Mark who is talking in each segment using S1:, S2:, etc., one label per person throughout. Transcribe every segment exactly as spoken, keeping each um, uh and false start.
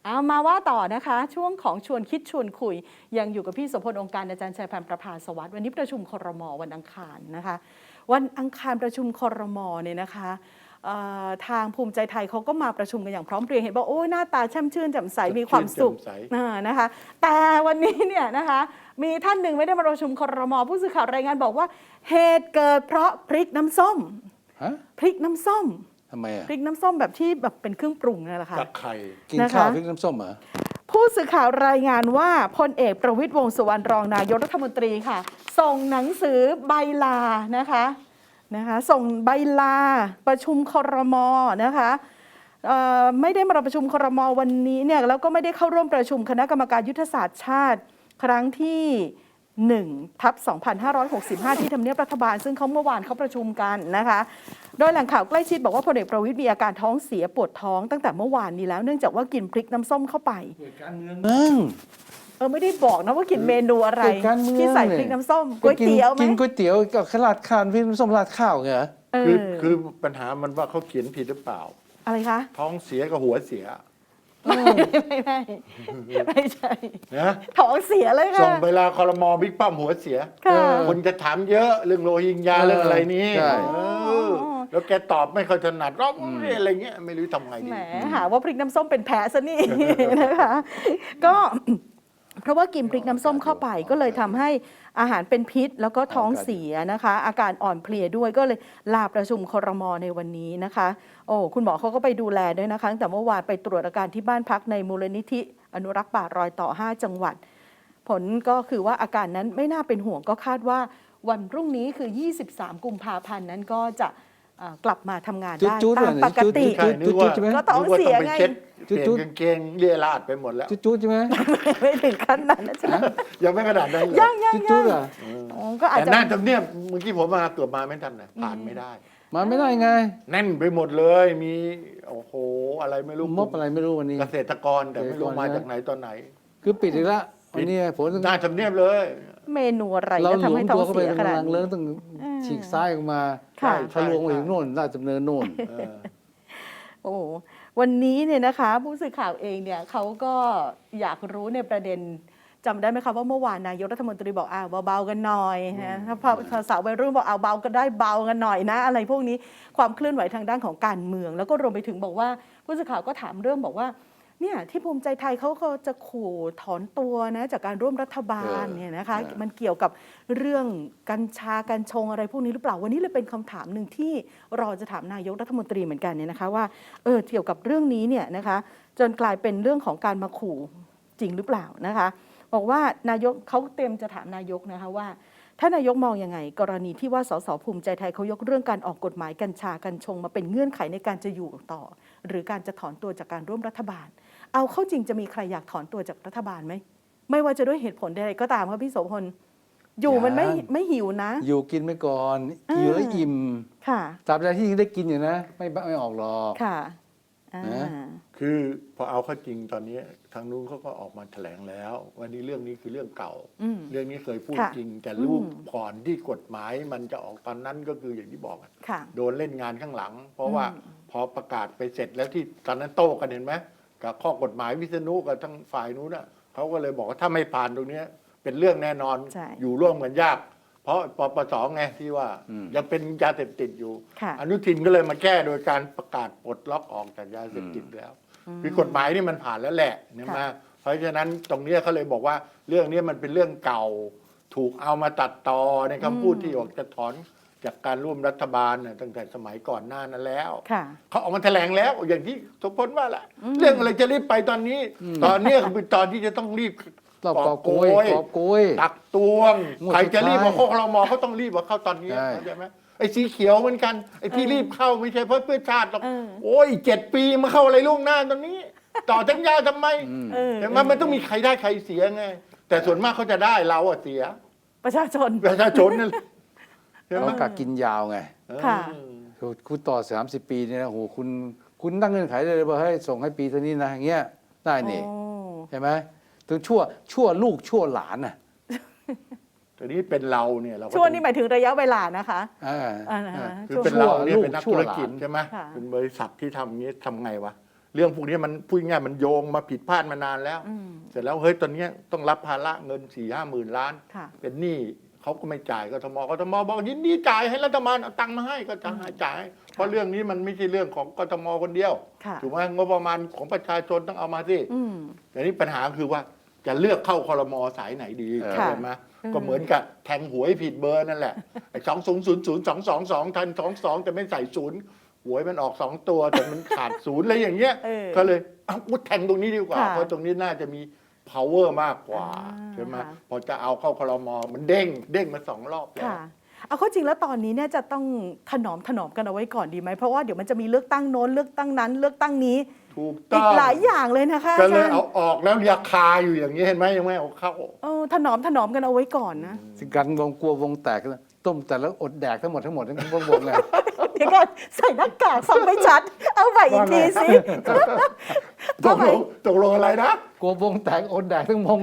S1: เอามาว่าต่อนะคะช่วงของชวนคิดชวนคุยยังอยู่กับพี่โสพลองค์การอาจารย์ชัยพันธ์ประภาสวัสดิ์วันนี้ประชุมครม.วันอังคารนะคะวันอังคารประชุมครม.เนี่ยนะคะทางภูมิใจไทยเขาก็มาประชุมกันอย่างพร้อมเพรียงเห็นบอกโอ้ยหน้าตาแช่มชื่นแจ่มใสมีความสุขนะคะแต่วันนี้เนี่ยนะคะมีท่านหนึ่งไม่ได้มาประชุมครม.ผู้สื่อข่าวรายงานบอกว่าเหตุเกิดเพราะพริกน้ำส้มพริกน้ำส้ม
S2: ทำไมอ่ะ
S1: พริกน้ำส้มแบบที่แบบเป็นเครื่องปรุงนั่นแหละค่ะ
S3: กับไข่
S2: กินข้าวพริกน้ำส้มเหรอ
S1: ผู้สื่อข่าวรายงานว่าพลเอกประวิตรวงษ์สุวรรณรองนายกรัฐมนตรีค่ะส่งหนังสือใบลานะคะนะคะส่งใบลาประชุมครม.นะคะไม่ได้มาประชุมครม.วันนี้เนี่ยแล้วก็ไม่ได้เข้าร่วมประชุมคณะกรรมการยุทธศาสตร์ชาติครั้งที่หนึ่งทับสองพันห้าร้อยหกสิบห้าที่ทำเนียบรัฐบาลซึ่งเขาเมื่อวานเขาประชุมกันนะคะโดยแหล่งข่าวใกล้ชิดบอกว่าพลเอกประวิตรมีอาการท้องเสียปวดท้องตั้งแต่เมื่อวานนี้แล้วเนื่องจากว่ากินพริกน้ำส้มเข้าไป
S2: การเมืองมึง
S1: เออไม่ได้บอกนะว่ากินเมนูอะไรที่ใส่พริกน้ำส้มก๋วยเตี๋ยวไหม
S2: กินก๋วยเตี๋ยวกับข้าวราดข้าวพริกน้ำส้มราดข้าวไง
S3: คือคือปัญหามันว่าเขาเขียนผิดหรือเปล่า
S1: อะไรคะ
S3: ท้องเสียกับหัวเสีย
S1: ไม่ไม่ไม่ไม่ใช่
S3: นะ
S1: ท้องเสียเลยค่ะ
S3: ส่งเวลาคอรมอบิ๊กป้อมหัวเสียคนจะถามเยอะเรื่องโรฮิงญาเรื่องอะไรนี้แล้วแกตอบไม่ค่อยถนัดร้องอะไรเงี้ยไม่รู้ทำไงดี
S1: แหมหาว่าพริกน้ำส้มเป็นแพ้ซะนี่นะคะก็เพราะว่ากินพริกน้ำส้มเข้าไปก็เลยทำให้อาหารเป็นพิษแล้วก็ท้องเสียนะคะอาการอ่อนเพลียด้วยก็เลยลาประชุมครม.ในวันนี้นะคะโอ้คุณหมอเขาก็ไปดูแลด้วยนะคะตั้งแต่เมื่อวานไปตรวจอาการที่บ้านพักในมูลนิธิอนุรักษ์ป่ารอยต่อห้าจังหวัดผลก็คือว่าอาการนั้นไม่น่าเป็นห่วงก็คาดว่าวันพรุ่งนี้คือยี่สิบสามกุมภาพันธ์นั้นก็จะกลับมาทำงานได้ตามปกติก็ท้องเสียไง
S3: จุดๆกางเกงเรียราดไปหมดแล้ว
S2: จุดๆใช่ไหม
S1: ไม่ถึงขั้นนั้นนะจ๊ะ
S3: ยังไม่ขนาดนั้น
S1: ยังยัง
S2: จุดๆอ่ะ
S1: ก็อาจจะ
S3: แต่น่าจะเนี่ยเมื่อกี้ผมมาเกือบมาไม่ทันนะผ่านไม่ได้
S2: มาไม่ได้ไง
S3: แน่นไปหมดเลยมีโอ้โหอะไรไม่รู้
S2: มบอะไรไม่รู้วันนี้
S3: เกษตรกรแต่ไม่รู้มาจากไหนตอนไหน
S2: คือปิดอีกแล้ววันนี้ผล
S3: น่าทำเนียบเลย
S1: เมนูอะไรก็ทำให้ท้องเสียขนาดนี้
S2: เราต้องฉีกซ้ายออกมาทะลวงไปถึงโน่นราชดำเนินโน่น
S1: โอ้วันนี้เนี่ยนะคะผู้สื่อข่าวเองเนี่ยเขาก็อยากรู้ในประเด็นจำได้ไหมคะว่าเมื่อวานนายกรัฐมนตรีบอกอ่าเบาๆกันหน่อยนะถ้าพอสาววัยรุ่นบอกเอาเบาก็ได้เบากันหน่อยนะอะไรพวกนี้ความเคลื่อนไหวทางด้านของการเมืองแล้วก็รวมไปถึงบอกว่าผู้สื่อข่าวก็ถามเรื่องบอกว่าเนี่ยที่ภูมิใจไทยเขาก็จะขู่ถอนตัวนะจากการร่วมรัฐบาลเนี่ยนะคะมันเกี่ยวกับเรื่องกัญชากัญชงอะไรพวกนี้หรือเปล่าวันนี้เลยเป็นคำถามหนึ่งที่รอจะถามนายกรัฐมนตรีเหมือนกันเนี่ยนะคะว่าเออเกี่ยวกับเรื่องนี้เนี่ยนะคะจนกลายเป็นเรื่องของการมาขู่จริงหรือเปล่านะคะบอกว่านายกเขาเตรียมจะถามนายกนะคะว่าถ้านายกมองยังไงกรณีที่ว่าสสภูมิใจไทยเขายกเรื่องการออกกฎหมายกัญชากัญชงมาเป็นเงื่อนไขในการจะอยู่ต่อหรือการจะถอนตัวจากการร่วมรัฐบาลเอาเข้าจริงจะมีใครอยากถอนตัวจากรัฐบาลไหมไม่ว่าจะด้วยเหตุผลใดๆก็ตามครับพี่โสพลอยู่มันไม่ไม่หิวนะ
S2: อยู่กินไปก่อนอยู่แล้วอิ่ม
S1: ค่ะ
S2: ตราบใดที่ได้กินอยู่นะไม่ไม่ออกหรอก
S1: ค่ะ
S3: คือพอเอาเข้าจริงตอนนี้ทางนู้นเขาก็ออกมาแถลงแล้ววันนี้เรื่องนี้คือเรื่องเก่าเรื่องนี้เคยพูดจริงแต่รูปก่อนที่กฎหมายมันจะออกตอนนั้นก็คืออย่างที่บอกโดนเล่นงานข้างหลังเพราะว่าพอประกาศไปเสร็จแล้วที่ตอนนั้นโต้กันเห็นไหมกับข้อกฎหมายวิษณุกับทั้งฝ่ายนู้นน่ะเขาก็เลยบอกว่าถ้าไม่ผ่านตรงนี้เป็นเรื่องแน่นอนอยู่ร่วมกันยากเพราะปปสไงที่ว่ายังเป็นยาเสพติดอยู่อนุทินก็เลยมาแก้โดยการประกาศปลดล็อกออกจากยาเสพติดแล้วคือกฎหมายนี่มันผ่านแล้วแหละเนี่ยมาเพราะฉะนั้นตรงนี้เขาเลยบอกว่าเรื่องนี้มันเป็นเรื่องเก่าถูกเอามาตัดต่อในคำพูดที่ออกจะถอนจากการร่วมรัฐบาลตั้งแต่สมัยก่อนหน้านั้นแล้วเขาออกมาแถลงแล้วอย่างที่สมพลว่าแหละเรื่องอะไรจะรีบไปตอนนี้ตอนนี้คือตอนที่จะต้องรีบ
S2: กอบโกยกอบโกย
S3: ตักตวงใครจะรีบมาโคกเรามอเขาต้องรีบมาเข้าตอนนี้ใช่ไหมไอ้สีเขียวเหมือนกันไอ้ที่รีบเข้าไม่ใช่เพราะเพื่อชาติหรอกโอ้ยเจ็ดปีมาเข้าอะไรล่วงหน้าตอนนี้ต่อสัญญาทำไมแต่มันมันต้องมีใครได้ใครเสียไงแต่ส่วนมากเขาจะได้เราอะเสีย
S1: ประชาชน
S3: ประชาชนนั่น
S2: เขากักกินยาวไง
S1: ค่ะ
S2: คุณต่อสามสิบปีเนี่ยโอ้โหคุณคุณตั้งเงื่อนไขเลยว่าให้ส่งให้ปีเท่านี้นะอย่างเงี้ยได้นี่ใช่ไหมถึงชั่วชั่วลูกชั่วหลานน่ะ
S3: ตอนนี้เป็นเราเนี่ยเรา
S1: ชั่วนี่หมายถึงระยะเวลานะคะ
S3: คือเป็นเราเนี่ยเป็นนักธุรกิจใช่ไหมเป็นบริษัทที่ทำนี้ทำไงวะเรื่องพวกนี้มันพูดง่ายๆมันโยงมาผิดพลาดมานานแล้ว
S1: อืม
S3: เสร็จแล้วเฮ้ยตอนเนี้ยต้องรับภาระเงินสี่ห้าหมื่นล้าน
S1: ค่ะ
S3: เป็นหนี้เขาก็ไม่จ่ายกทมกทมบอกยินดีจ่ายให้รัฐบาลเอาตังค์มาให้ก็จะให้จ่ายให้เพราะเรื่องนี้มันไม่ใช่เรื่องของกทมคนเดียว
S1: ค่ะ
S3: ถูกไหมงบประมาณของประชาชนต้องเอามาสิ
S1: อืม
S3: แต่นี่ปัญหาคือว่าจะเลือกเข้าคอรมอสายไหนดี
S1: ค่ะ
S3: เห็นไหมก็เหมือนกับแทงหวยผิดเบอร์นั่นแหละไอ้สองศูนย์ศูนย์ศูนย์สองสองสองทันสองสองแต่ไม่ใส่ศูนย์หวยมันออกสองตัวแต่มันขาดศูนย์อะไรอย่างเงี้ย
S1: เออ
S3: ก็เลยเอากูแทงตรงนี้ดีกว่า
S1: ค่ะ
S3: เพราะตรงนี้น่าจะมี power มากกว่า
S1: อ่า
S3: ใช่ไหม
S1: ค่ะ
S3: พอจะเอาเข้าคอรมอมันเด้งเด้งมาสองรอบแล้ว
S1: ค่ะ เอาเข้าจริงแล้วตอนนี้เนี่ยจะต้องถนอมถนอมกันเอาไว้ก่อนดีไหมเพราะว่าเดี๋ยวมันจะมีเลือกตั้งโน้นเลือกตั้งนั้น เลือกตั้งนี้
S3: ถูก
S1: อี
S3: ต้อก ง
S1: หลายอย่างเลยนะคะ
S3: ก็
S1: อา
S3: เลย
S1: จารย์
S3: เอาออกแล้วราคาอยู่อย่างนี้เห็นไหมยังไม่เอาเข้า
S1: เออถนอมถนอมกันเอาไว้ก่อนนะ
S2: สิกันวงกลัววงแตกนะต้มแต่แล้วอดแดกทั้งหมดทั้งหมดทั้งวงวงเลย
S1: เดี๋ยวก่อนใส่หน้ากากฟังไม่ชัด เอาใหม่อีกทีสิ
S3: ตกลงตกลงอะไรนะ
S2: กลัววงแตกอดแดกทั้งวง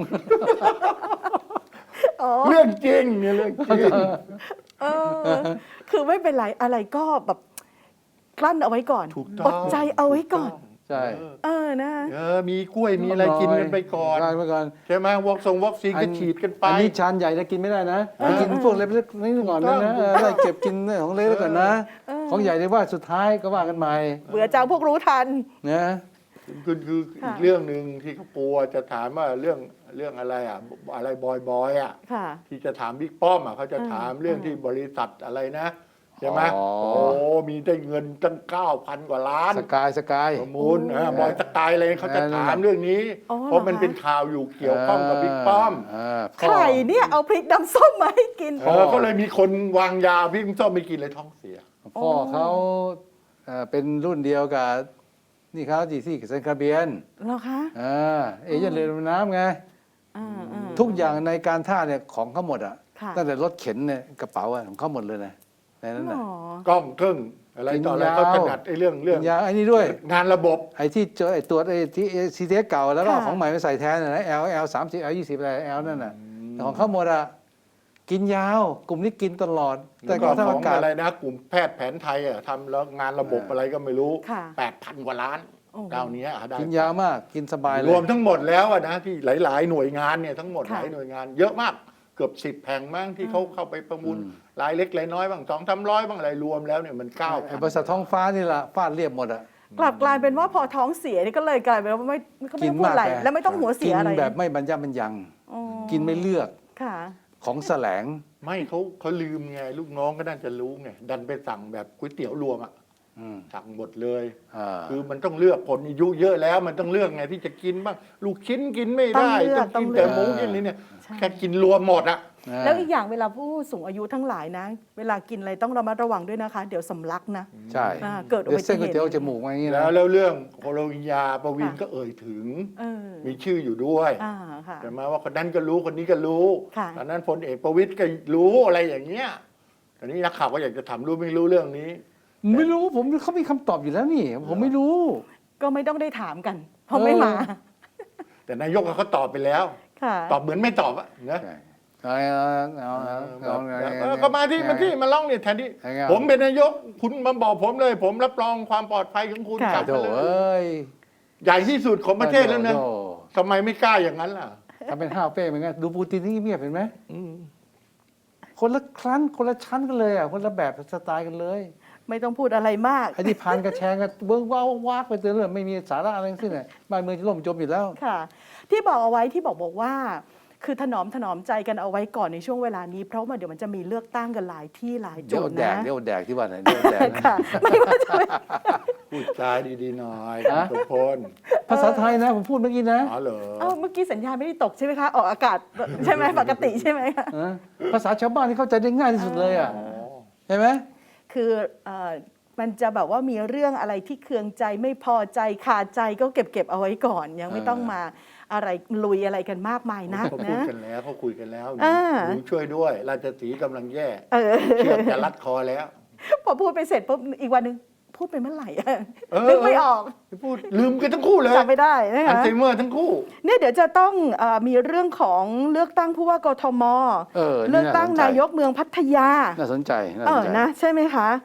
S1: อ๋อ
S3: เรื่องจริงเนี่ยเรื่องจริง
S1: เออคือไม่เป็นไรอะไรก็แบบกลั้นเอาไว้ก่อน
S3: ถูกต้อง
S1: อดใจเอาไว้ก่อน
S2: ใช่
S1: เออนะ
S3: เออมีกล้วยมีอะไรกินกันไปก่อน
S2: ได้ไปก่อน
S3: ใช่ไหมวอกซงวอกซีนก็ฉีดกันไป
S2: อันนี้ชานใหญ่นะกินไม่ได้นะกินพวกเล็กๆนี่ก่อนนะนะเออไล่เก็บกินของเล็กๆก่อนนะ ของใหญ่ได้ว่าสุดท้ายก็ว่ากันใหม่
S1: เบื่อจังพวกรู้ทัน
S2: นะ
S3: คือคือ
S1: ค่ะ
S3: อีกเรื่องหนึ่งที่เขากลัวจะถามว่าเรื่องเรื่องอะไรอ่ะอะไรบอยบอยอ่ะ
S1: ค่ะ
S3: ที่จะถามบิ๊กป้อมอ่ะเขาจะ
S1: อืม
S3: ถามเรื่อง
S1: อืม
S3: ที่บริษัทอะไรนะใช่ไหม
S2: อ๋อ
S3: โอ้มีได้เงินตั้งเก้าพันกว่าล้าน
S2: สกายสกาย
S3: ประมูล
S1: โอ้
S3: เออบอยสกายอะไรเขาจะ
S2: เออนั่น
S3: ถาม
S2: แหละ
S3: เรื่องนี้
S1: อ๋อ
S3: เพราะมัน
S1: เหรอคะ
S3: เป็นข่าวอยู่เกี่ยวข้องกับบิ๊กป้อม
S1: ใครเนี่ยเอาพริกน้ำส้มมาให้กิน
S3: เออก็เลยมีคนวางยาพี่ส้มไม่กินเลยท้องเสีย
S2: พ่อเขาเอ่อเป็นรุ่นเดียวกับนี่เขาจีซี่กับเซนคาเบียน
S1: เหรอคะ
S2: อ่าเอเย่นเรือดำน้ำไง
S1: อ่าอ่า
S2: ทุกอย่างในการท่าเนี่ยของเขาหมดอ่ะ
S1: ค่ะ
S2: ตั้งแต่รถเข็นเนี่ยกระเป๋าอะของเขาหมดเลยนะในนั้น
S1: หร
S2: น่ะ
S1: อ
S3: กล้องเครื่องอะไรต่ออะไร
S2: กินยาว
S3: เขาถนัดไอ้เรื่องเรื่อง
S2: ยาไอ้นี่ด้วย
S3: งานระบบ
S2: ไอ้ที่เจอไอ้ตัวไอ้ที่ซีเทสเก่าแล้วก็เอา
S1: ค่ะ
S2: ของใหม่มาใส่แทนน่ะนะ L L สามสิบ L ยี่สิบอะไร L นั่นน่ะแต่ของเขาหมดอ่ะกินยาว กลุ่มนี้กินตลอด แต่
S3: แล้ว
S2: ก
S3: ก็
S2: องทัพ
S3: ขอ
S2: อาง กาศ
S3: อะไรนะกลุ่มแพทย์แผนไทยอ่ะทำแล้วงานระบบ
S2: อ่า
S3: อะไรก็ไม่รู้
S1: ค่ะ
S3: แปดพันกว่าล้าน
S1: โอ้โห
S3: ดาวนี้อ่ะได้
S2: กินยาวมากกินสบายเลย
S3: รวมทั้งหมดแล้วอะนะที่หลาย ๆ หน่วยงานเนี่ยทั้งหมดห
S1: ค่ะ
S3: ลายหน่วยงาน เยอะมากเกือบสิบแห่งมั้งที่เขาเข้าไปประมูล
S2: อืม
S3: รายเล็กรายน้อยบ้างสองสามร้อยบ้างอะไรรวมแล้วเนี่ยมันเก้า
S2: ไอ้บริษัทท้องฟ้านี่ล่ะฟาดเรียบหมดอ่ะ
S1: กลับกลายเป็นว่าพอท้องเสียนี่ก็เลยกลายเป็นว่าไม่ก็ไม่ต้องพูดอะไร
S2: ไง
S1: แล้วไม่ต้องหัวเสี
S2: กิ
S1: ย
S2: น
S1: อะไร
S2: แบบไม่บรรยะบรรยัง
S1: อ๋อ
S2: กินไม่เลือก
S1: ค่ะ
S2: ของแสลง
S3: ไม่เขาเขาลืมไงลูกน้องก็น่าจะรู้ไงดันไปสั่งแบบก๋วยเตี๋ยวรวมอ่ะ
S2: อืม
S3: สั่งหมดเลย
S2: อ่า
S3: คือมันต้องเลือกคนอายุเยอะแล้วมันต้องเลือกไงที่จะกินบ้างลูกชิ้นกินไม่ได้
S1: ต้องเลือก
S3: กินแต่
S1: ต้องเลือก
S3: หมูกินนี่เนี่ย
S1: ใช่
S3: แค่กินรวมหมดอ่ะ
S1: แล้วอีกอย่างเวลาผู้สูงอายุทั้งหลายนะ เวลากินอะไรต้องระมัดระวังด้วยนะคะ เดี๋ยวสำลักนะ
S2: ใช่
S1: อ่าเกิดอุ
S2: เดี๋ย
S1: บั
S2: ว
S1: ติ
S2: เส้น
S1: เห
S2: ก๋วย
S1: ตุ
S2: เตี๋ยวจมูกมาอย่างนี้
S3: แล้
S2: นะ
S3: วแล้วเรื่องโคโลวิญญาประวิน
S1: ค่ะ
S3: ก็เอ่ยถึง
S1: เออ
S3: มีชื่ออยู่ด้วย
S1: อ่าค่ะ
S3: แต่มาว่าคนนั้นก็รู้คนนี้ก็รู้
S1: ค่ะ
S3: ตอนนั้นพลเอกประวิตยก็รู้อะไรอย่างเงี้ยตอนนี้นักข่าวก็อยากจะถามรู้ไม่รู้เรื่องนี้
S2: ไม่รู้ผมเขามีคำตอบอยู่แล้วนี่ ผมไม่รู้
S1: ก็ไม่ต้องได้ถามกัน เพราะไม่มา
S3: แต่นายกเขาตอบไปแล้ว
S1: ค่ะ
S3: ตอบเหมือนไม่ตอบอะนะ
S2: ใช่เอาเอาเอาเอา
S3: แบบ
S2: เอา
S3: เออก็มาที่มาที่มาล่องเนี่ยแทนที่
S2: ยังไง
S3: ผมเป็นนายกคุณมาบอกผมเลย ผมรับรองความปลอดภัยของคุณ
S1: ค่ะ
S3: กลับ
S2: โถ
S3: มาเล
S2: เอย ้ย
S3: ใหญ่ที่สุดของประเทศแล้วนะ
S2: โถ
S3: ทำไมไม่กล้าอย่างนั้นล่ะ
S2: ทำเป็นห้าวเป้เหมือนกันดูปูตินที่เงียบๆเห็นไหม
S3: อืม
S2: คนละครั้นคนละชั้นกันเลยอ่ะคนละแบบสไตล์กันเลย
S1: ไม่ต้องพูดอะไรมาก
S2: ไอ้ที่พานกระแชงกันเบิ้งว้าววากไปเตือนเลยไม่มีสาระอะไรทั้งสิ้นเลยบ้านเมืองจะล่มจมอยู่แล้ว
S1: ค่ะ ที่บอกเอาไว้ที่บอกบอกว่า คือถนอมถนอมใจกันเอาไว้ก่อนในช่วงเวลานี้ เพราะว่าเดี๋ยวมันจะมีเลือกตั้งกันหลายที่หลาย
S2: เดี๋
S1: จุ
S2: ยว
S1: ด
S2: แด
S1: นะ
S2: กเดี๋ยวแดกที่ว่าไหนเดี๋ยวแดกนะ
S1: ค่ะ ไม่ว่าจะเป็น
S3: พูดจาดีๆหน่อย
S2: ฮะ
S3: ทุกพล
S2: ภาษาไทยนะผมพูดเมื่อกี้นะ
S3: อ๋อเหรอ
S1: เอ้าเมื่อกี้สัญญาณไม่ได้ตกใช่ไหมคะ ออกอากาศใช่ไหมปกติใช่ไหมคะ
S2: เออภาษาชาวบ้านที่เข้าใจได้ง่ายที่สุดเลยอ่ะ
S3: อ๋อ
S2: เห็นไหม
S1: คือเอ่อมันจะแบบว่ามีเรื่องอะไรที่เคืองใจไม่พอใจขาดใจก็เก็บเก็บเอาไว้ก่อน ยังไม่ต้องมาอะไรลุยอะไรกันมากมายนัก
S3: เขาพูด
S1: นะ
S3: กันแล้วเขาคุยกันแล้ว
S1: อ่า
S3: หนูช่วยด้วย ราชสีห์กำลังแย่
S1: เออ
S3: เชือกจะรัดคอแล้ว
S1: พอพูดไปเสร็จปุ๊บอีกวันหนึ่งพูดไปเมื่อไหร่อะ
S3: เออ
S1: นึกไม่ออก
S3: พูดลืมกันทั้งคู่เลย
S1: จำไม่ได้นะ
S3: อัล
S1: คะ
S3: ไซเมอร์ทั้งคู่
S1: เนี่ยเดี๋ยวจะต้องเออมีเรื่องของเลือกตั้งผู้ว่ากทม
S2: เออ
S1: เลือกตั้งนายกเมืองพัทยา
S2: น่าสนใจน่า
S1: เอ
S2: สน
S1: อ
S2: ใจ
S1: นะใช่ไหมคะ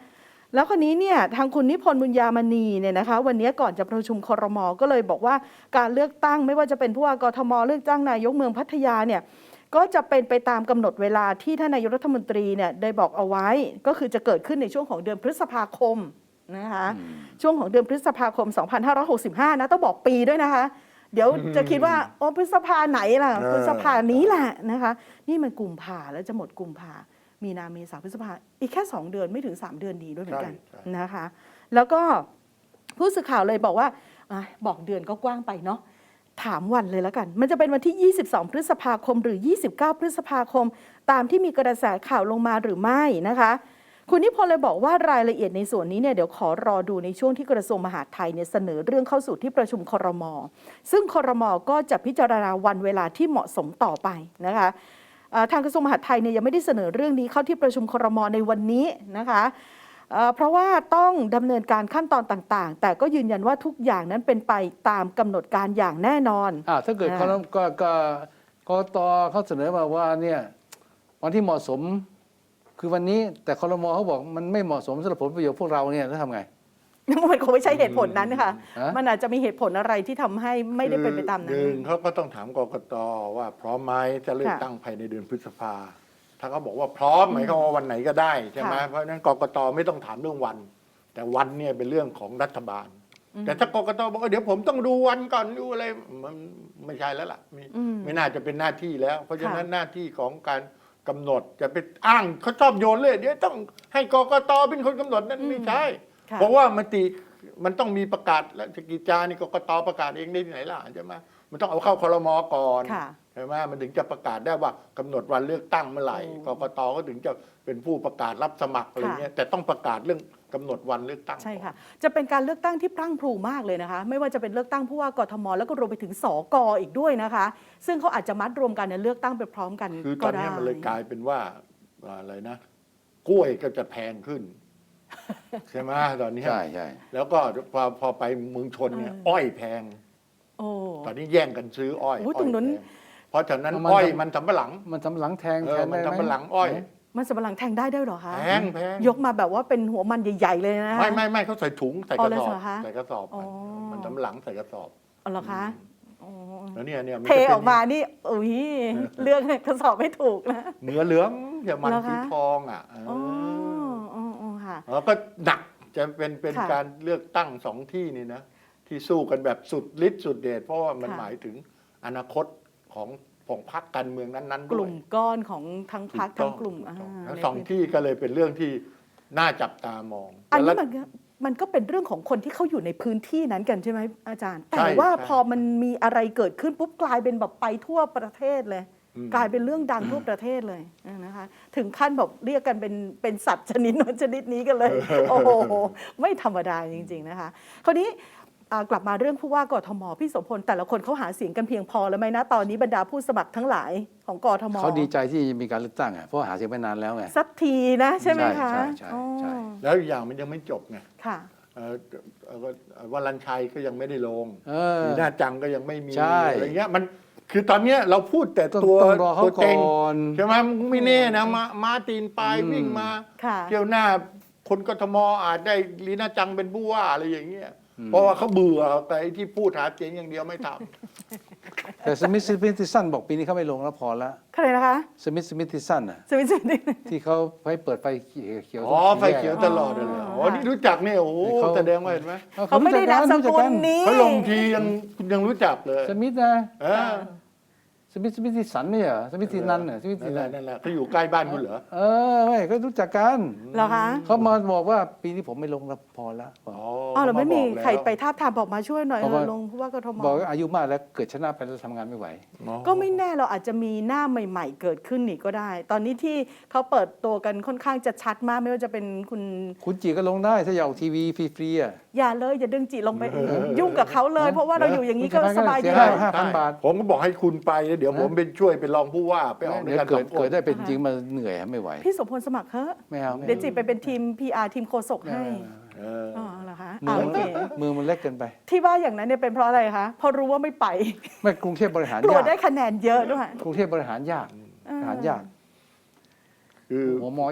S1: แล้วคนนี้เนี่ยทางคุณนิพนธ์บุญญามณีเนี่ยนะคะวันนี้ก่อนจะประชุมครม.ก็เลยบอกว่าการเลือกตั้งไม่ว่าจะเป็นผู้ว่ากทมเลือกตั้งนายกเมืองพัทยาเนี่ยก็จะเป็นไปตามกำหนดเวลาที่ท่านนายกรัฐมนตรีเนี่ยได้บอกเอาไว้ก็คือจะเกิดขึ้นในช่วงของเดือนพฤษภาคมนะคะช่วงของเดือนพฤษภาคมสองพันห้าร้อยหกสิบห้านะต้องบอกปีด้วยนะคะเดี๋ยวจะคิดว่าอ๋อพฤษภาไหนล่ะพฤษภานี้แหละนะคะนี่มันกุมภาแล้วจะหมดกุมภามีนาเมษาพฤษภาอีกแค่สองเดือนไม่ถึงสามเดือนดีด้วยเหมือนกันนะคะแล้วก็ผู้สื่อข่าวเลยบอกว่าอ่ะบอกเดือนก็กว้างไปเนาะถามวันเลยแล้วกันมันจะเป็นวันที่ยี่สิบสองพฤษภาคมหรือยี่สิบเก้าพฤษภาคมตามที่มีกระแสข่าวลงมาหรือไม่นะคะคุณนิพนธ์เลยบอกว่ารายละเอียดในส่วนนี้เนี่ยเดี๋ยวขอรอดูในช่วงที่กระทรวงมหาดไทยเนี่ยเสนอเรื่องเข้าสู่ที่ประชุมครม.ซึ่งครม.ก็จะพิจารณาวันเวลาที่เหมาะสมต่อไปนะคะทางกระทรวงมหาดไทยเนี่ยยังไม่ได้เสนอเรื่องนี้เข้าที่ประชุมครม.ในวันนี้นะคะเพราะว่าต้องดำเนินการขั้นตอนต่างๆแต่ก็ยืนยันว่าทุกอย่างนั้นเป็นไปตามกำหนดการอย่างแน่นอน
S2: อ่าถ้าเกิดเขาก็ก็กตเขาเสนอมาว่าเนี่ยวันที่เหมาะสมคือวันนี้แต่ครม.เขาบอกมันไม่เหมาะสมสำหรับผลประโยชน์พวกเราเนี่ยแล้วทำไง
S1: มันคงไม่ใช่เหตุผลนั้นค่ะมันอาจจะมีเหตุผลอะไรที่ทำให้ไม่ได้เป็นไปตามนั้น
S3: หนึ่งเขาก็ต้องถามกกต.ว่าพร้อมไหมจะเลือกตั้งภายในเดือนพฤษภาถ้าเขาบอกว่าพร้อมหมายความว่าวันไหนก็ได้ใช่ไหมเพราะฉะนั้นกกต.ไม่ต้องถามเรื่องวันแต่วันเนี่ยเป็นเรื่องของรัฐบาลแต่ถ้ากกต.บอกว่าเดี๋ยวผมต้องดูวันก่อนดูอะไรมันไม่ใช่แล้วล่ะไม่ไม่น่าจะเป็นหน้าที่แล้ว เพราะฉะนั้นหน้าที่ของการกำหนดจะไปอ้างเขาชอบโยนเลยเดี๋ยวต้องให้กกต.เป็นคนกำหนดนั่นไม่ใช่เพราะว่ามติมันต้องมีประกาศและกิจจานี่กกต.ประกาศเองได้ที่ไหนล่ะใช่ไหมมันต้องเอาเข้าครม.ก่อนใช่ไหมมันถึงจะประกาศได้ว่ากำหนดวันเลือกตั้งเมื่อไหร่กกต.ก็ถึงจะเป็นผู้ประกาศรับสมัครอะไรเงี้ยแต่ต้องประกาศเรื่องกำหนดวันเลือกตั้ง
S1: ใช่ค่ะจะเป็นการเลือกตั้งที่พรั่งพรูมากเลยนะคะไม่ว่าจะเป็นเลือกตั้งผู้ว่ากทมแล้วก็รวมไปถึงสกอีกด้วยนะคะซึ่งเขาอาจจะมัดรวมกันในเลือกตั้งไปพร้อมกัน
S3: คือตอนนี้มันเลยกลายเป็นว่าอะไรนะกล้วยก็จะแพงขึ้นใช่ไหมตอนนี้
S2: ใช่ใช่
S3: แล้วก็พอพอไปเมืองชนเนี่ยอ้อยแพงตอนนี้แย่งกันซื้ออ้อย
S1: ตรงนั้น
S3: เพราะฉะนั้นอ้อยมันสำปะหลัง
S2: มันสำปะหลังแทง
S3: แทงมันสำปะหลังอ้อย
S1: มันสำปะหลังแทงได้ด้วยเหรอคะ
S3: แพงแพง
S1: ยกมาแบบว่าเป็นหัวมันใหญ่ๆเลยนะ
S3: ไม่ไม่ไม่เขาใส่ถุงใส่กระสอบใส่กระสอบมันสำปะหลังใส่กระสอบ
S1: อ๋อเหรอคะ
S3: แล้วเนี่ยเนี่ย
S1: เทออกมานี่อุ้ยเลือกกระสอบไม่ถูกนะ
S3: เนื้อเหลืองอย่ามันสีทองอ่ะ
S1: อ๋ออ๋อค่ะ
S3: แล้วก็หนักจะเป็นเป็นการเลือกตั้งสองที่นี่นะที่สู้กันแบบสุดฤทธิ์สุดเดชเพราะว่ามันหมายถึงอนาคตของของพรรคการเมืองนั้นๆด้วย
S1: กลุ่มก้อนของทั้งพรรคทั้งกลุ่ม
S3: ทั้งสองที่ก็เลยเป็นเรื่องที่น่าจับตามอง
S1: อันนี้มันมันก็เป็นเรื่องของคนที่เขาอยู่ในพื้นที่นั้นกันใช่ไหมอาจารย์แต่ว่าพอมันมีอะไรเกิดขึ้นปุ๊บกลายเป็นแบบไปทั่วประเทศเลยกลายเป็นเรื่องดังทั่วประเทศเลยนะคะถึงขั้นแบบเรียกกันเป็นเป็นสัตว์ชนิดนชนิดนี้กันเลยโอ้โหไม่ธรรมดาจริงๆนะคะคราวนี้กลับมาเรื่องผู้ว่ากทมพี่โสมพลแต่ละคนเขาหาเสียงกันเพียงพอแล้วไหมนะตอนนี้บรรดาผู้สมัครทั้งหลายของกทม
S2: เขาดีใจที่มีการเลือกตั้งอ่ะเพราะหาเสียงไปนานแล้วไง
S1: สักทีนะใช่ไหมคะ
S2: ใช่ใช่ใช่
S3: แล้วอีกอย่างมันยังไม่จบไง
S1: ค่ะ
S3: วรัญชัยก็ยังไม่ได้ลงมีหน้าจังก็ยังไม่มีอะไรเงี้ยมันคือตอนนี้เราพูดแต่ตัวตัวเต็งใช่ไหมไม่แน่นะมามาตีนปลายวิ่งมาเที่ยวหน้าคนกทมอาจได้ลีน่าจังเป็นผู้ว่าอะไรอย่างเงี้ยเพราะว่าเขาเบื่อแต่ที่พูดหาเสียงอย่างเดียวไม่ทำ
S2: แต่สมิธสมิธทิสันบอกปีนี้เขาไม่ลงแล้วพอแล้ว
S1: ใครนะคะ
S2: สมิธสมิธทิสันอ่ะ
S1: สมิธสมิธ
S2: ที่เขาให้เปิดไฟเขียว
S3: อ๋อไฟเขียวตลอดเลยอ๋อนี่รู้จักเนี่ยโอ้แสดงว่าเห็นไหม
S1: เขาไม่ได้นามสกุลนี้
S3: เขาลงทียังยังรู้จักเลย
S2: สมิธนะสมิธสมิธทิสันเนี่ยสมิธทินันน่ะสมิธทินัน
S3: นั่นแหละเขาอยู่ใกล้บ้านคุณเหรอ
S2: เออไม่ก็รู้จักกัน
S1: เหรอคะ
S2: เขามาบอกว่าปีนี้ผมไม่ลงแล้วพอแล้ว
S3: อ๋
S1: อเราไม่มีใครไปทาบทามบอกมาช่วยหน่อยลงผู้ว่ากทม
S2: บอกว่าอายุมากแล้วเกิดชนะไปแล้วทำงานไม่ไหว
S1: ก็ไม่แน่เราอาจจะมีหน้าใหม่ๆเกิดขึ้นนี่ก็ได้ ตอนนี้ที่เขาเปิดตัวกันค่อนข้างจะชัดมากไม่ว่าจะเป็นคุณ
S2: คุณจีก็ลงได้ถ้าอยากทีวีฟรีๆอ่ะ
S1: อย่าเลยอย่าดึงจีลงไปยุ่งกับเขาเลยเพราะว่าเราอยู่อย่างนี้ก็สบายดี
S2: ห้าพันบาท
S3: ผมก็บอกให้คุณไปเดี๋ยวผมเป็นช่วยเป็นรองผู้ว่าไปออกในการ
S2: เกิดเกิดได้เป็นจริงมาเหนื่อยไม่ไหว
S1: พี่สมพลสมัครเถอะ
S2: ไม่เอา
S1: เดี๋ยวจีไปเป็นทีม พี อาร์ ทีมโฆษกให้อ๋อเหรอคะ
S2: มือมันเล็กเกินไป
S1: ที่ว่าอย่างนั้นเนี่ยเป็นเพราะอะไรคะเพราะรู้ว่าไม่ไป
S2: ไม่กรุงเทพบริหาร
S1: กลัวได้คะแนนเยอะด้วย
S2: กรุงเทพบริหารยากบริหารยาก
S3: คือ
S2: หัวหมอเยอะ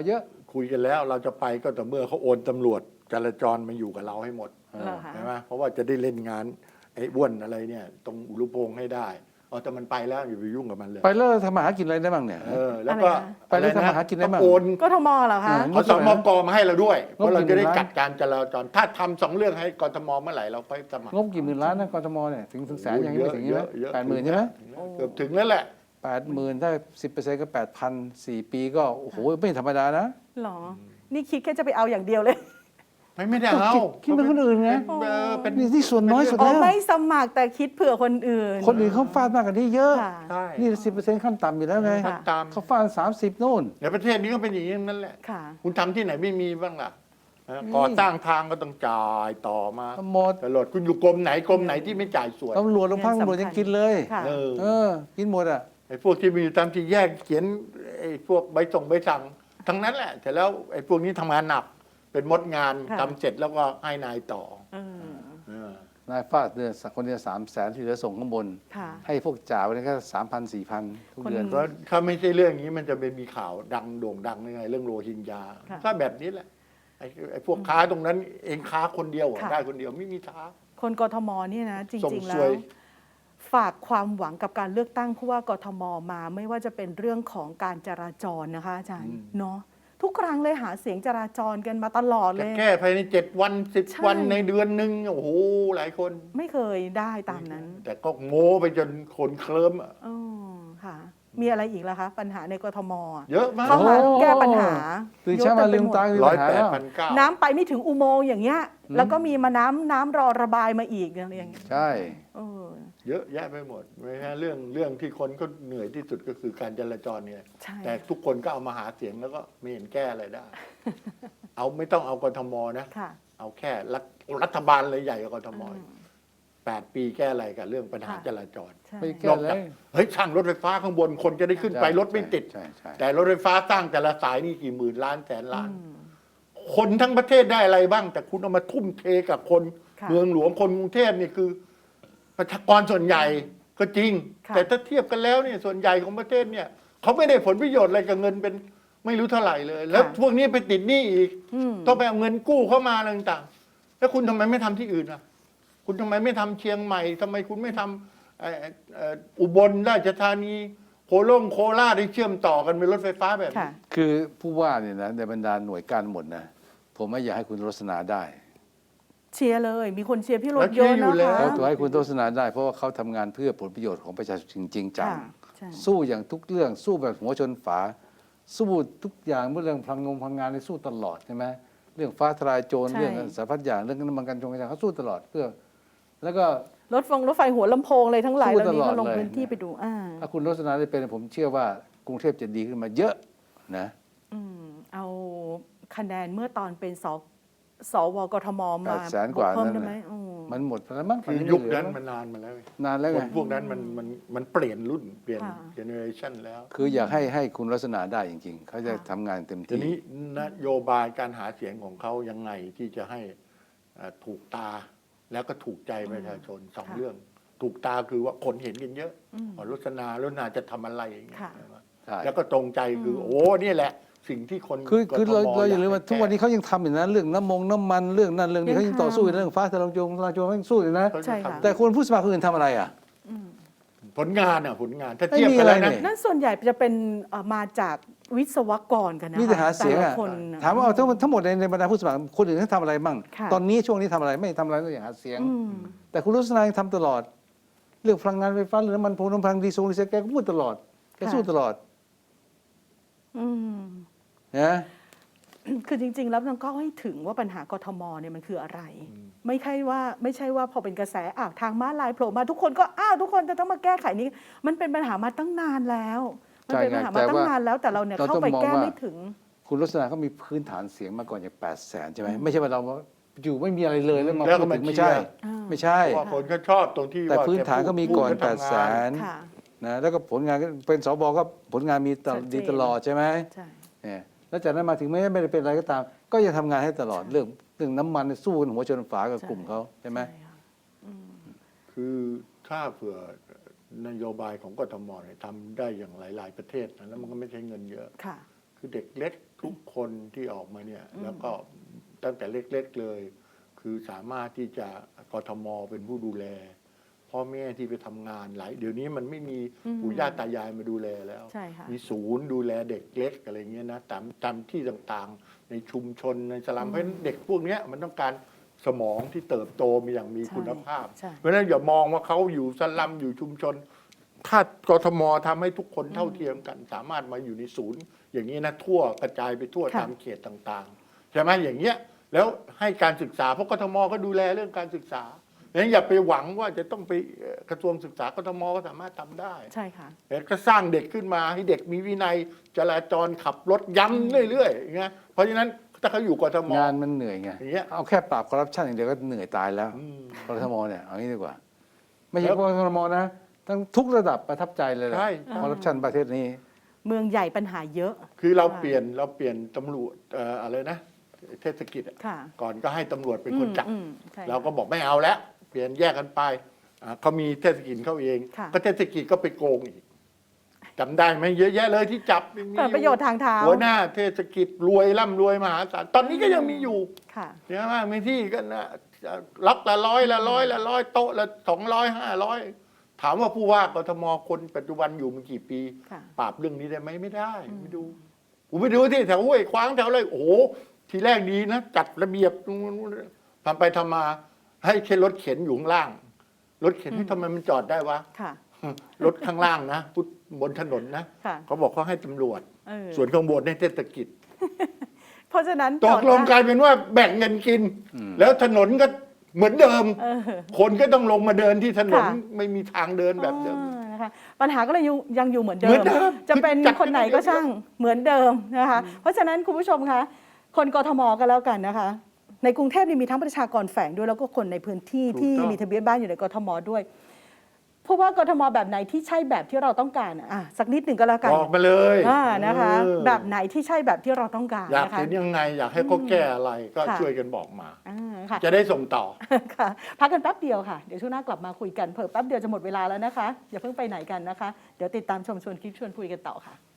S3: คุยกันแล้วเราจะไปก็แต่อเมื่อเขาโอนตำรวจจราจรมาอยู่กับเราให้หมด
S1: เหรอคะ
S3: ใช่ไหมเพราะว่าจะได้เล่นงานไอ้อ้วนอะไรเนี่ย ตรงอุรุพงษ์ให้ได้เอาแต่มันไปแล้วอย่าไปยุ่งกับมันเลย
S2: ไปแล้วทำมาหากินอะไรได้บ้างเนี่ย
S3: เออแล้วก็
S2: ไปแล้วทำมาหากินได้บ้าง
S3: ต้องโอน
S1: กทมเหรอคะ
S2: อืม
S3: เอาสมกมาให้เราด้วยเพราะเราจะได้
S2: งบกี่หมื่นล้าน
S3: จัดการจราจรถ้าทำสองเรื่องให้กทมเมื่อไหร่เราไปสมัครง
S2: บกี่หมื่นล้านนะกทมเนี่ยถึงถึงแสนยังไม่ถึงใช่ไหม
S3: เยอะ
S2: แปดหมื่นใช่ไหม
S3: เกือบถึงแล้วแหละ
S2: แปดหมื่นถ้าสิบเปอร์เซ็นต์ก็แปดพันสี่ปีก็โอ้โหไม่ธรรมดานะ
S1: หรอ นี่คิดแค่จะไปเอาอย่างเดียวเลย
S3: ไม่ไม่ได้เอา
S2: คิดคิดเป็นคนอื่นไง
S3: เป็นเออเป็น
S2: นี่ที่ส่วนน้อยสุด
S1: อ๋อ
S2: แล้ว
S1: ไม่สมัครแต่คิดเผื่อคนอื่น
S2: คนอื่นเขาฟาดมากกว่านี้เยอะ
S1: ค่ะ
S3: ใช่
S2: นี่สิบเปอร์เซ็นต์ขั้นต่ำอยู่แล้วไง
S1: ค่ะ
S3: ตาม
S2: เขาฟาดสามสิบโน่น
S3: ในประเทศนี้ก็เป็นอย่างนี้นั่นแหละ
S1: ค่ะ
S3: คุณทำที่ไหนไม่มีบ้างล่ะนะ
S2: มี
S3: ก่อสร้างทางก็ต้องจ่ายต่อมา
S2: หมด
S3: ตลอดคุณอยู่กรมไหนกรมไหนที่ไม่จ่ายสวย
S2: ตำรวจโรงพักตำรวจยังกินเลย
S1: ค่ะ
S3: เออ
S2: เออ กินหมดอ่ะ
S3: ไอ้พวกที่มีอยู่ตามที่แยกเขียนไอ้พวกใบส่งใบสั่งทั้งนั้นแหละแต่แล้วไอ้พวกนี้ทำงานหนัก เป็นมดงาน
S1: ค่ะ
S3: ทำเสร็จแล้วก็ให้นายต่อ
S1: เออ
S3: เออ
S2: นายฟาดเดือนคนเดียวสามแสนที่เหลือส่งข้างบน
S1: ค่ะ
S2: ให้พวกจ่าวันนี้ก็สามพันสี่พันทุกเดือน
S1: คน
S3: เพราะถ้าไม่ใช่เรื่องนี้มันจะเป็นมีข่าวดังโด่งดังยังไง เรื่องโรฮิงญา
S1: ค่ะ
S3: ถ้าแบบนี้แหละไอ้ไอ้พวกค้าตรงนั้นเองค้าคนเดียวเหรอ
S1: ค่ะ
S3: ได้คนเดียวไม่มีท้า
S1: คนกทมเนี่ยนะ จ
S3: ส่ง
S1: ริง ๆ แล้
S3: สว
S1: วย ฝากความหวังกับการเลือกตั้งผู้ว่ากทมมา ไม่ว่าจะเป็นเรื่องของการจราจรนะคะอาจารย์เนาะทุกครั้งเลยหาเสียงจราจรกันมาตลอดเล
S3: จะ
S1: ย
S3: แก้ภายในเจ็ดวันสิบ
S1: ใช่
S3: วันในเดือนหนึ่งโอ้โหหลายคน
S1: ไม่เคยได้ตามนั้น
S3: แต่ก็โม้ไปจนคนเคลิ้มอะ
S1: อ๋อค่ะ มีอะไรอีกล่ะคะ ปัญหาในกทมอะ
S3: เยอะมาก
S1: เข้ามา
S2: โอ้
S1: แก้ปัญหา
S2: ตื่นเช้ามาลืมตา
S3: ร้อยแปดพันเก้า
S1: น้ำไปไม่ถึงอุโมงค์อย่างเงี้ย แล้วก็มีมาน้ำน้ำรอระบายมาอีกอะไรอย่างเงี้ย
S2: ใช่
S1: เออ
S3: เยอะแยะไปหมดไม่ใช่เรื่องเรื่องที่คนก็เหนื่อยที่สุดก็คือการจราจรเนี่ย
S1: ใช่
S3: แต่ทุกคนก็เอามาหาเสียงแล้วก็ไม่เห็นแก้อะไรได้ เอาไม่ต้องเอากทมนะ
S1: ค่ะ
S3: เอาแค่รัฐรัฐบาลเลยใหญ่กว่ากทมอีกแปดปีแก้อะไรกับเรื่องปัญหา
S1: ค่ะ
S3: จราจร
S1: ใช่
S2: ไม่
S3: น
S2: แก้
S3: อก
S2: เล
S3: จาก
S2: ย
S3: เฮ้ยช่างรถไฟฟ้าข้างบนคนจะได้ขึ้นไปรถไม่ติด
S2: ใช่ใช่
S3: แต่รถไฟฟ้าสร้างแต่ละสายนี่กี่หมื่นล้านแสนล้าน
S1: อืม
S3: คนทั้งประเทศได้อะไรบ้าง แต่คุณเอามาทุ่มเทกับคน
S1: ค่ะ
S3: เมืองหลวงคนกรุงเทพนี่คือ ประชากรส่วนใหญ่ก็จริง
S1: ค่ะ
S3: แต่ถ้าเทียบกันแล้วเนี่ยส่วนใหญ่ของประเทศเนี่ยเขาไม่ได้ผลประโยชน์อะไรกับเงินเป็นไม่รู้เท่าไหร่เลย แล้วพวกนี้ไปติดหนี้อีก
S1: อืม
S3: ต้องไปเอาเงินกู้เข้ามาอะไรต่างๆแล้วคุณทำไมไม่ทำที่อื่นอ่ะ คุณทำไมไม่ทำเชียงใหม่ทำไมคุณไม่ทำเอ่อเอ่ออุบลราชธานีโคโลงโคราชได้เชื่อมต่อกันเป็นรถไฟฟ้าแบบ
S1: ค่ะ
S3: นี้
S2: คือผู้ว่าเนี่ยนะในบรรดาหน่วยการหมดนะผมไม่อยากให้คุณโฆษณาได้
S1: เชียร์เลย มีคนเชียร์พี่ร
S3: แล้
S1: ถ
S3: ว
S1: เยอะ
S3: เชียร์อยู่
S1: นะ
S3: แล้ว
S1: คะ
S2: แล้วตัวให้คุณโฆษณาได้ เพราะว่าเขาทำงานเพื่อผลประโยชน์ของประชาชนจริงๆจัง
S1: ค่ะใช่
S2: สู้อย่างทุกเรื่องสู้แบบหัวชนฝา สู้ทุกอย่างเมื่อเรื่องพลังงงพลังงานในสู้ตลอดใช่ไหมเรื่องฟ้าทลายโจร
S1: ใช่
S2: เรื่องสารพัดอย่างเรื่องน้ำมันกันจงกันอย่างเขาสู้ตลอดเพื่อ แล้วก็
S1: รถฟงรถไฟหัวลำโพงเลยทั้งหลาย
S2: สู้
S1: แล้วนี้
S2: ตลอด
S1: ก็ลง
S2: เลย
S1: พื้นที่ไปดูอ่า
S2: ถ้าคุณโฆษณาได้เป็นผมเชื่อว่ากรุงเทพจะดีขึ้นมาเยอะนะ
S1: อืมเอาคะแนนเมื่อตอนเป็นสสวกทม
S2: แป
S1: มา
S2: ดแสนกว่า
S1: เพิ่ม
S2: นั่น
S1: ได้ไหม
S2: แหละ
S1: อืม
S2: มันหมดไปแล้วมั้ง
S3: คือ
S2: ตอ
S3: ยุค
S2: ไม่เหลือ
S3: นั้นมันนานมาแล้ว
S2: นานแล้ว
S3: ค
S2: ไง
S3: นพวกนั้นมันมันมันเปลี่ยนรุ่นเปลี่ยน
S1: ค่ะ
S3: เจเนอเรชันแล้ว
S2: คืออยากให้ให้คุณลักษณะได้จริงๆ เขาจะ
S1: ค่ะ
S2: ทำงานเต็ม
S3: ที
S2: ที่
S3: นี้นโยบายการหาเสียงของเขายังไงที่จะให้เอ่อถูกตาแล้วก็ถูกใจประชาชนสอง
S1: ค่ะ
S3: เรื่อง ถูกตาคือว่าคนเห็นกันเยอะ
S1: อืม
S3: อ๋อรสนาแล้วนาจะทำอะไรอย่างเงี้ย
S1: ค่ะ
S3: ใช่ไหม
S2: ใช่
S3: แล้วก็ตรงใจคือ โอ้นี่แหละ สิ่งที่คน
S2: คือคือเรา
S3: กทม
S2: เราอย่าลืมว่า
S3: ให้
S2: ทุกวันนี้เขายังทำอยู่นะเรื่องน้ำมงน้ำมันเรื่องนั้นเรื่องนี้
S1: ยัง
S2: เขายังต่อสู้
S1: ทำ
S2: เรื่องฟ้าทลายโจรทลายโจรเขายังสู้อยู่นะ
S3: เขาจะ
S1: ใช่ค่ะ
S3: ทำ
S2: แต่คนผู้สมัครคนอื่นทำอะไรอ่ะ
S3: ผลงานอ่ะผลงานถ้า
S2: ไม่
S3: เทียบ
S2: มี
S3: กันแล้ว
S2: อะไร
S3: นะ
S2: นี่
S1: นั่นส่วนใหญ่จะเป็นเอ่อมาจากวิศวกรกันนะคะ
S2: มีแต่หาเสียง
S1: แต่ละ
S2: อ่ะ
S1: คนน่ะ
S2: ถามว่าเอาทั้งทั้งหมดในในบรรดาผู้สมัครคนอื่นเขาทำอะไรบ้าง
S1: ค่ะ
S2: ตอนนี้ช่วงนี้ทำอะไรไม่ทำอะไรนอกจากหาเสียง
S1: อืม
S2: แต่คุณลักษณะยังทำตลอด เรื่องพลังงานไฟฟ้าเรื่องน้ำมันพงน้ำพลังดีโซลดีเซลแกก็พูดตลอดแกสู้ตลอด
S1: อืม
S2: นะ
S1: คือจริง ๆ แล้วมันก็ให้ถึงว่าปัญหากทมเนี่ยมันคืออะไร ไม่ใช่ว่าไม่ใช่ว่าพอเป็นกระแสอ้าวทางม้าลายโผล่มาทุกคนก็อ้าวทุกคนจะต้องมาแก้ไขนี้ มันเป็นปัญหามาตั้งนานแล้ว มันเป็นปัญหามาตั้งนานแล้ว แต่เราเนี่ยเข้าไปแก้ไม่ถึง
S2: คุณลักษณะเขามีพื้นฐานเสียงมาก่อนอย่างแปดแสนใช่ไหมไม่ใช่ว่าเราอยู่ไม่มีอะไรเลยแล้วมา
S3: แล้วก็
S2: พูดถึง
S3: มา
S2: ไม่ใช่
S3: เชียร์
S1: อ่า
S2: ไม่ใช่
S3: เพราะว่าคนก็ชอบตรงที่
S2: แต่
S3: ว่า
S2: พื้นฐานก็มีก่อน
S3: พูด
S2: แปดแส
S3: ทำงาน
S2: น
S1: ค่ะ
S2: นะแล้วก็ผลงานก็เป็นสบก็ผลงานมีตลอด
S1: ชัดเจน
S2: ดีตลอดใช่ไหม
S1: ใช่
S2: เนี่ยแล้วจากนั้นมาถึงไม่ไม่ได้เป็นอะไรก็ตาม ก็ยังทำงานให้ตลอดเรื่องเรื่องน้ำมันสู้กันหัวชนฝากับกลุ่มเขาใช่ไหม
S1: ใช่ค่ะ
S3: คือถ้าเผื่อนโยบายของกทมเนี่ยทำได้อย่างหลาย ๆ ประเทศนะแล้วมันก็ไม่ใช้เงินเยอะ
S1: ค่ะ
S3: คือเด็กเล็กทุกคนที่ออกมาเนี่ยแล้วก็ตั้งแต่เล็กๆเลย คือสามารถที่จะกทมเป็นผู้ดูแลพ่อแม่ที่ไปทำงานหลายเดี๋ยวนี้มันไม่มีปู่ย่าตายายมาดูแลแล้ว
S1: ใช่ค่ะ
S3: มีศูนย์ดูแลเด็กเล็กอะไรเงี้ยนะตามตามที่ต่างๆ ในชุมชนในสลัมเพราะฉะนั้นเด็กพวกเนี้ยมันต้องการสมองที่เติบโตมีอย่างมีคุณภาพ
S1: ใช่
S3: เพราะฉะนั้นอย่ามองว่าเขาอยู่สลัมอยู่ชุมชน ถ้ากทมทำให้ทุกคนเท่าเทียมกัน สามารถมาอยู่ในศูนย์ อย่างนี้นะทั่วกระจายไปทั่ว
S1: ค่ะ
S3: ตามเขตต่างๆใช่ไหมอย่างเงี้ยแล้วให้การศึกษาเพราะกทมก็ดูแลเรื่องการศึกษาดังนั้นอย่าไปหวังว่าจะต้องไปเอ่อกระทรวงศึกษากทมก็สามารถทำได้
S1: ใช่ค่ะ
S3: แต่ก็สร้างเด็กขึ้นมาให้เด็กมีวินัยจราจรขับรถย้ำเรื่อยๆอย่างเงี้ยเพราะฉะนั้นถ้าเขาอยู่กทม
S2: งานมันเหนื่อยไง
S3: อย่างเงี้ย
S2: เอาแค่ปราบคอร์รัปชันอย่างเดียวก็เหนื่อยตายแล้ว
S3: อืม
S2: กทมเนี่ยเอางี้ดีกว่า ไม่ใช่
S3: แล้ว
S2: กทมนะทั้งทุกระดับประทับใจเลยแหละ
S3: ใช่
S2: คอร์รัปชันประเทศนี้
S1: เมืองใหญ่ปัญหาเยอะ
S3: คือเรา
S1: ใช่
S3: เปลี่ยนเราเปลี่ยนตำรวจเอ่ออะไรนะเทศกิจอะ
S1: ค่ะ
S3: ก่อนก็ให้ตำรวจเป็นคนจับ
S1: อืมอืมใช่
S3: เราก็บอกไม่เอาแล้ว เปลี่ยนแยกกันไปอ่าเขามีเทศกิจเขาเอง
S1: ค่ะ
S3: ก็เทศกิจก็ไปโกงอีกจำได้ไหมเยอะแยะเลยที่จับมี
S1: เปิดประโยชน์ทางเท้า
S3: หัวหน้าเทศกิจรวยร่ำรวยมหาศาลตอนนี้ก็ยังมีอยู่
S1: ค่ะ
S3: เยอะมากมีที่ก็นะล็อกละร้อยละร้อยละร้อยโต๊ะละสองร้อยห้าร้อยถามว่าผู้ว่ากทมคนปัจจุบันอยู่มากี่ปี
S1: ค่ะ
S3: ปราบเรื่องนี้ได้ไหมไม่ได้ไม่ดูผมไปดูที่แถวห้วยขวางแถวอะไรโอ้โหทีแรกดีนะ จัดระเบียบทำไปทำมา ให้แค่รถเข็นอยู่ข้างล่าง รถเข็นที่ทำไมมันจอดได้วะ
S1: ค่ะ
S3: รถข้างล่างนะพุทธบนถนนนะ
S1: ค่ะ
S3: เขาบอกเขาให้ตำรวจ
S1: เออ
S3: ส่วนข้างบนให้เทศกิจ
S1: เพราะฉะนั้น
S3: ตกลงกลายเป็นว่าแบ่งเงินกิน แล้วถนนก็เหมือนเดิม
S1: เออ
S3: คนก็ต้องลงมาเดินที่ถนน
S1: ค่ะ
S3: ไม่มีทางเดินแบบเดิม
S1: อ่านะคะปัญหาก็เลยยังยังอยู่เหมือนเดิ
S3: เหมื
S1: ม
S3: อนเดิม
S1: จะเป็น
S3: คือจัด
S1: คนไหนก็ช่างเหมือนเดิมนะคะ เพราะฉะนั้นคุณผู้ชมคะคนกทมกันแล้วกันนะคะ ในกรุงเทพนี่มีทั้งประชากรแฝงด้วยแล้วก็คนในพื้นที่
S3: ถูก
S1: ที่
S3: ต้อง
S1: มีทะเบียนบ้านอยู่ในกทมด้วยเพราะว่ากทมแบบไหนที่ใช่แบบที่เราต้องการอ่ะอ่ะสักนิดหนึ่งก็แล้วกัน
S3: บอกมาเลย
S1: อ่านะคะ
S3: เออ
S1: แบบไหนที่ใช่แบบที่เราต้องการ
S3: อยาก
S1: นะคะ
S3: เห็นยังไง อยากให้เขาแก้อะไรก็
S1: ค่ะ
S3: ช่วยกันบอกมา
S1: อ่าค่ะ
S3: จะได้ส่งต่อ
S1: ค่ะพักกันแป๊บเดียวค่ะ เดี๋ยวช่วงหน้ากลับมาคุยกันเพิ่มแป๊บเดียวจะหมดเวลาแล้วนะคะ อย่าเพิ่งไปไหนกันนะคะ เดี๋ยวติดตามชมชวนคิดชวนคุยกันต่อค่ะ